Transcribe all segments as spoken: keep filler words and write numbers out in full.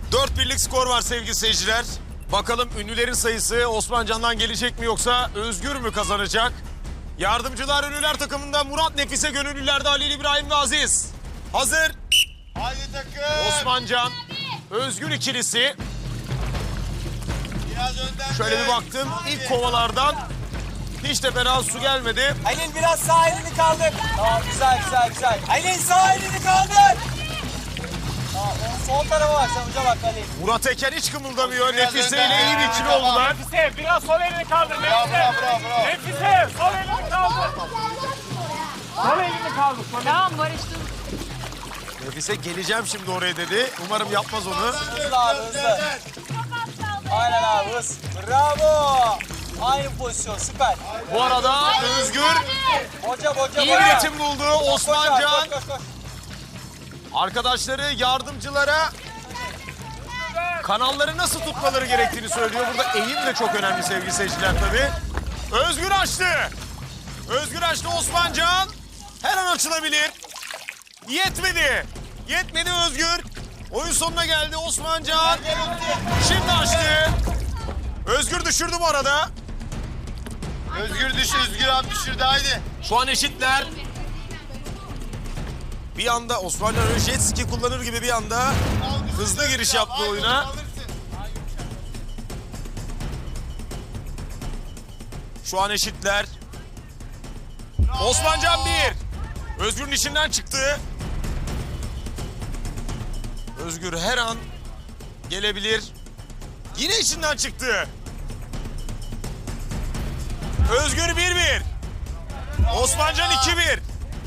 Dört birlik skor var sevgili seyirciler. Bakalım ünlülerin sayısı Osmancan'dan gelecek mi yoksa Özgür mü kazanacak? Yardımcılar ünlüler takımında Murat, Nefise, gönüllülerde Halil, İbrahim ve Aziz. Hazır. Haydi takım. Osmancan, Özgür ikilisi. Biraz önden. Şöyle de. bir baktım. Hadi. İlk kovalardan hiç de fena su gelmedi. Halil biraz sağ elini kaldır. Tamam güzel güzel güzel. Halil sağ elini kaldır. Tamam sol tarafa bak sen uca bak Halil. Murat Eken hiç kımıldamıyor. Biraz Nefise önden. ile iyi bir ikili Tamam. oldular. Nefise biraz sol elini kaldır Bravo Nefise. bravo bravo. bravo. Nefise sol elini kaldır. Sol elini kaldır. Sol elini. Tamam barıştım. Nefise geleceğim şimdi oraya dedi. Umarım yapmaz onu. Hızlı abi hızlı. Aynen abi hız. Bravo. Aynı pozisyon süper. Bu arada Özgür Boca boca iyi boca. bir ritim buldu. Koş abi, Osmancan koş, koş, koş. arkadaşları, yardımcılara kanalları nasıl tutmaları gerektiğini söylüyor. Burada eğim de çok önemli sevgili seyirciler tabii. Özgür açtı. Özgür açtı Osmancan. Her an açılabilir. Yetmedi. Yetmedi Özgür. Oyun sonuna geldi Osmancan. Şimdi açtı. Özgür düşürdü bu arada. Özgür düş, Özgür abi düşürdü haydi. Şu an eşitler. Bir anda Osmancan öyle jet ski kullanır gibi bir anda hızlı giriş yaptı Haydi, oyuna. alırsın. Şu an eşitler. Osmancan bir. Özgür'ün içinden çıktı. Özgür her an gelebilir. Yine içinden çıktı. Özgür bir bir. Osmancan iki bir.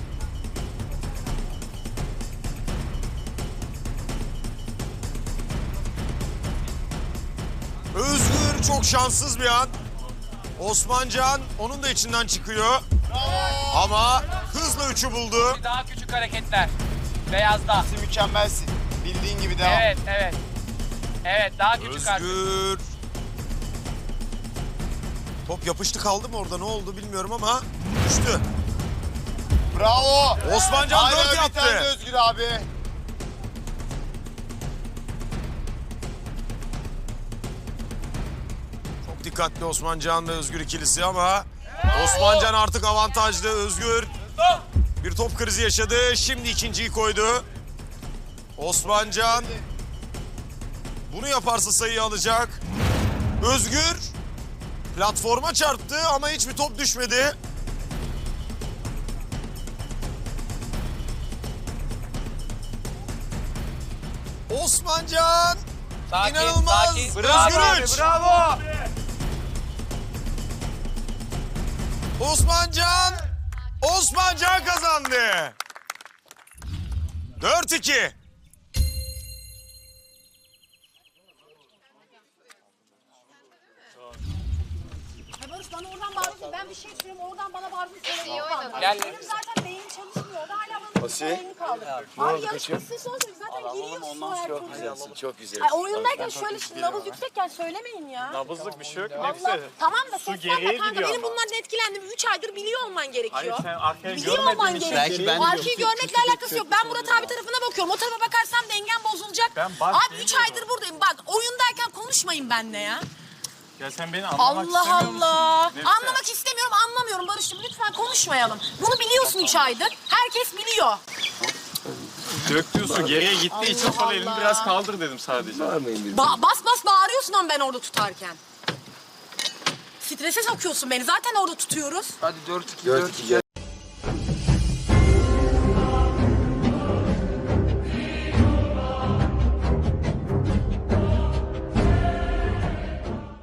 Özgür çok şanssız bir an. Osmancan onun da içinden çıkıyor. Ama hızla üçü buldu. Daha küçük hareketler. Beyazda. Sen mükemmelsin. Bildiğin gibi devam. Evet evet. Evet daha küçük artık. Özgür. Top yapıştı kaldı mı orada, ne oldu bilmiyorum ama düştü. Bravo. Osmancan Haydi, dört bir tane de yaptı. Özgür abi. Çok dikkatli Osmancan ve Özgür ikilisi ama Osmancan artık avantajlı. Özgür bir top krizi yaşadı. Şimdi ikinciyi koydu. Osmancan bunu yaparsa sayıyı alacak. Özgür platforma çarptı ama hiçbir top düşmedi. Osmancan Sakin, inanılmaz. sakin. Özgür üç. Bravo. Osmancan, Osmancan kazandı. Dört iki. Ya Barış bana oradan bağırıyorsun. Ben bir şey söylüyorum. Oradan bana bağırıyorsun. Sonra iyi oynadın. Gel. Benim zaten beynim çalışmıyor. Orada hala bana bir elini kaldı. Abi yarışmasın sonuçta zaten giriyorsun o her çok güzelsin. Çok güzel. Ay oyundayken şöyle şimdi nabız yüksekken söylemeyin ya. Nabızlık bir şey yok Allah. Nefise. Tamam da Su ses geriye verme kanka. gidiyor Benim ama. bunlardan etkilendim. Üç aydır biliyor olman gerekiyor. Hayır sen arkaya Biliyor olman görmediğin için. gerekiyor. Arkayı görmekle alakası yok. Ben Murat abi tarafına bakıyorum. O tarafa bakarsam dengem bozulacak. Ben bak Abi üç diyemiyorum. aydır buradayım. Bak oyundayken konuşmayın benimle ya. Ya sen beni anlamak Allah istemiyor musun? Allah. Nefise. Anlamak istemiyorum, anlamıyorum Barış'cığım. Lütfen konuşmayalım. Bunu biliyorsun üç aydır. Herkes biliyor. Döktüğü su geriye gittiği için sol elini Allah. biraz kaldır dedim sadece. Ba- bas bas bağırıyorsun ama ben orada tutarken. Strese sokuyorsun beni. Zaten orada tutuyoruz. Hadi dört iki Dört iki gel.